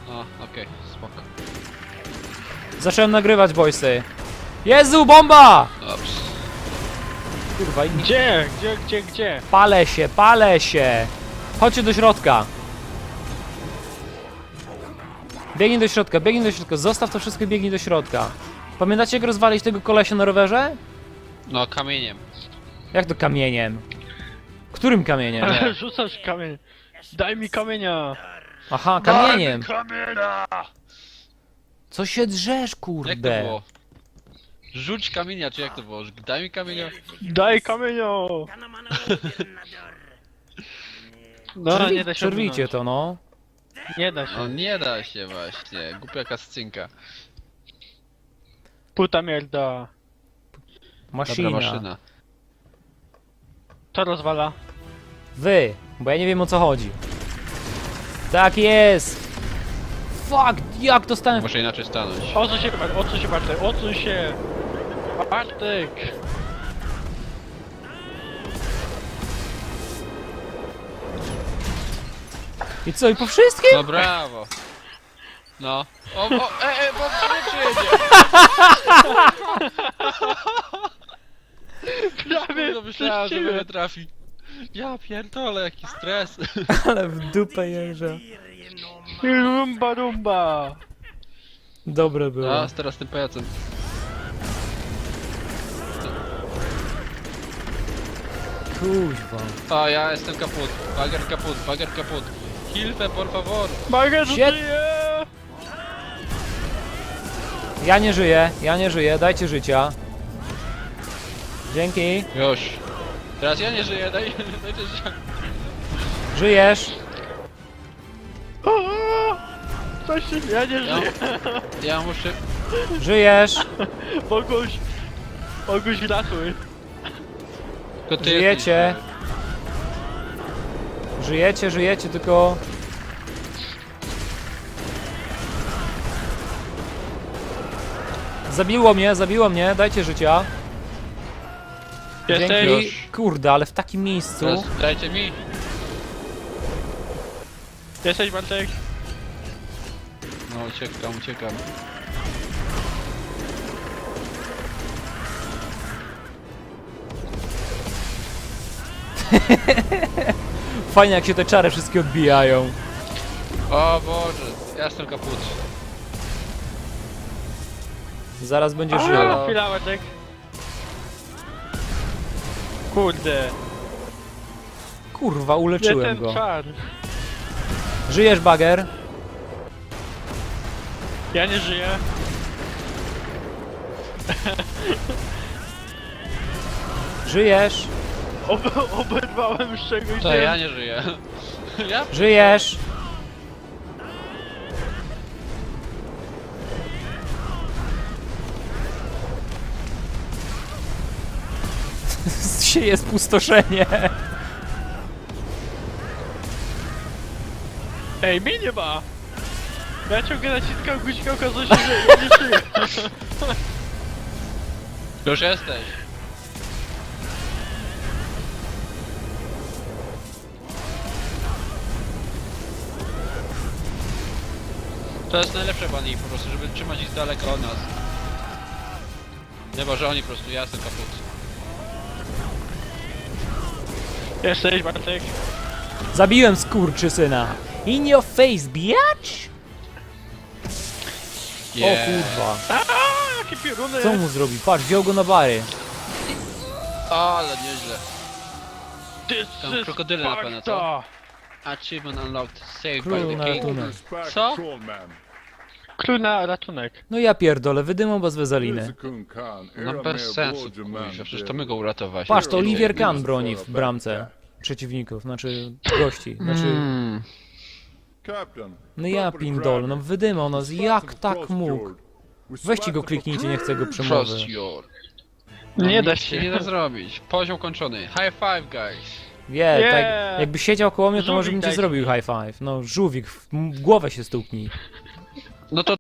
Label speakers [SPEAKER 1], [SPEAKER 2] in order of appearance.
[SPEAKER 1] O, okej, spoko.
[SPEAKER 2] Zacząłem nagrywać, boysy. Jezu, bomba!
[SPEAKER 1] Dobrze.
[SPEAKER 2] Kurwa,
[SPEAKER 3] Gdzie?
[SPEAKER 2] palę się. Chodźcie do środka. Biegnij do środka, zostaw to wszystko i biegnij do środka. Pamiętacie, jak rozwalić tego kolesia na rowerze?
[SPEAKER 1] No, kamieniem.
[SPEAKER 2] Jak to kamieniem? Którym kamieniem?
[SPEAKER 1] Nie.
[SPEAKER 3] Rzucasz kamień. Daj mi kamienia.
[SPEAKER 2] Aha, kamieniem.
[SPEAKER 3] Kamienia!
[SPEAKER 2] Co się drzesz,
[SPEAKER 1] Jak to
[SPEAKER 2] kurde?
[SPEAKER 1] było? Rzuć kamienia, czy jak to było? Daj mi kamienia.
[SPEAKER 3] Daj kamienia! No, nie da się
[SPEAKER 2] Przerwijcie
[SPEAKER 3] ominąć.
[SPEAKER 2] to, no.
[SPEAKER 3] Nie da się.
[SPEAKER 1] No nie da się właśnie. Głupia kascynka.
[SPEAKER 3] Puta mierda.
[SPEAKER 2] Maszyna.
[SPEAKER 1] Dobra maszyna.
[SPEAKER 3] To rozwala.
[SPEAKER 2] Wy, bo ja nie wiem, o co chodzi. Tak jest! Fuck, jak dostałem...
[SPEAKER 1] Muszę inaczej stanąć.
[SPEAKER 3] Odsuń się Bartek, odsuń się! Bartek!
[SPEAKER 2] I co, i po wszystkim?
[SPEAKER 1] No brawo. No. Bo przyjedzie.
[SPEAKER 3] Prawie
[SPEAKER 1] No myślałem, że mnie trafi. Ja pierdolę, jaki stres.
[SPEAKER 2] Ale w dupę jeżdża.
[SPEAKER 3] Rumba rumba!
[SPEAKER 2] Dobre było.
[SPEAKER 1] A, teraz tym pajacem.
[SPEAKER 2] Kuźwa.
[SPEAKER 1] A, ja jestem kaput. Bager kaput. Hilfe, por favor.
[SPEAKER 3] Bagger
[SPEAKER 2] Shit.
[SPEAKER 3] żyje!
[SPEAKER 2] Ja nie żyję, dajcie życia. Dzięki.
[SPEAKER 1] Już. Teraz ja nie żyję, dajcie życia.
[SPEAKER 2] Żyjesz.
[SPEAKER 3] Coś się... Ja nie żyję!
[SPEAKER 1] Ja muszę...
[SPEAKER 2] Żyjesz.
[SPEAKER 3] Boguś ratuj!
[SPEAKER 1] Tylko ty
[SPEAKER 2] Żyjecie. Żyjecie, tylko... Zabiło mnie, dajcie życia.
[SPEAKER 3] Jesteś?
[SPEAKER 2] Dzięki.
[SPEAKER 1] Już.
[SPEAKER 2] Kurde, ale w takim miejscu.
[SPEAKER 1] Teraz dajcie mi.
[SPEAKER 3] Jesteś Bartek?
[SPEAKER 1] No uciekam.
[SPEAKER 2] Fajnie, jak się te czary wszystkie odbijają.
[SPEAKER 1] O Boże, ja jestem kaput.
[SPEAKER 2] Zaraz będzie żył.
[SPEAKER 1] Halo.
[SPEAKER 3] Chwila Bartek. Kurde.
[SPEAKER 2] Kurwa,
[SPEAKER 3] Nie
[SPEAKER 2] uleczyłem
[SPEAKER 3] ten
[SPEAKER 2] go.
[SPEAKER 3] czar.
[SPEAKER 2] Żyjesz, Bager?
[SPEAKER 3] Ja nie żyję.
[SPEAKER 2] Żyjesz?
[SPEAKER 3] Oberwałem z czegoś.
[SPEAKER 1] To ja nie żyję. Ja?
[SPEAKER 2] Żyjesz? Sieje spustoszenie.
[SPEAKER 3] Ej, mnie nie ma! Ja ciągle naciskam guźkę, okazuje się, że ja nie żyję.
[SPEAKER 1] Już jesteś. To jest najlepsze bani po prostu, żeby trzymać ich z daleka od nas. Nie, bo że oni po prostu, ja jestem kaput.
[SPEAKER 3] Jesteś Bartek?
[SPEAKER 2] Zabiłem skurczysyna. In your face, bitch! O kurwa.
[SPEAKER 3] Aaaa, jakie pioruny!
[SPEAKER 2] Co mu zrobi? Patrz, wziął go na bary.
[SPEAKER 1] Ale nieźle.
[SPEAKER 3] This
[SPEAKER 1] Tam
[SPEAKER 3] is
[SPEAKER 1] krokodyle na pewno, co?
[SPEAKER 3] Sparta!
[SPEAKER 1] Achievement unlocked. Saved
[SPEAKER 2] Król
[SPEAKER 1] by
[SPEAKER 2] na
[SPEAKER 1] the king.
[SPEAKER 2] ratunek.
[SPEAKER 1] Co?
[SPEAKER 3] Król na ratunek.
[SPEAKER 2] No ja pierdolę, wydymą bez wezaliny.
[SPEAKER 1] No bez sensu, kurwa, przecież to my go uratowaliśmy.
[SPEAKER 2] Patrz, to Olivier Kahn broni w bramce przeciwników, znaczy gości, znaczy... No ja pindol, no wydymał nas, jak tak mógł? Weźcie go kliknijcie, nie chcę go przemowy.
[SPEAKER 1] Trust your...
[SPEAKER 3] Nie da
[SPEAKER 1] Nic się nie da zrobić. Poziom kończony. High five, guys.
[SPEAKER 2] Wie,
[SPEAKER 3] Nie.
[SPEAKER 2] tak, jakby siedział koło mnie, to może
[SPEAKER 3] Żółwik
[SPEAKER 2] bym ci
[SPEAKER 3] dajcie
[SPEAKER 2] zrobił
[SPEAKER 3] mi.
[SPEAKER 2] high five. No, żółwik, w głowę się stuknij.
[SPEAKER 1] No to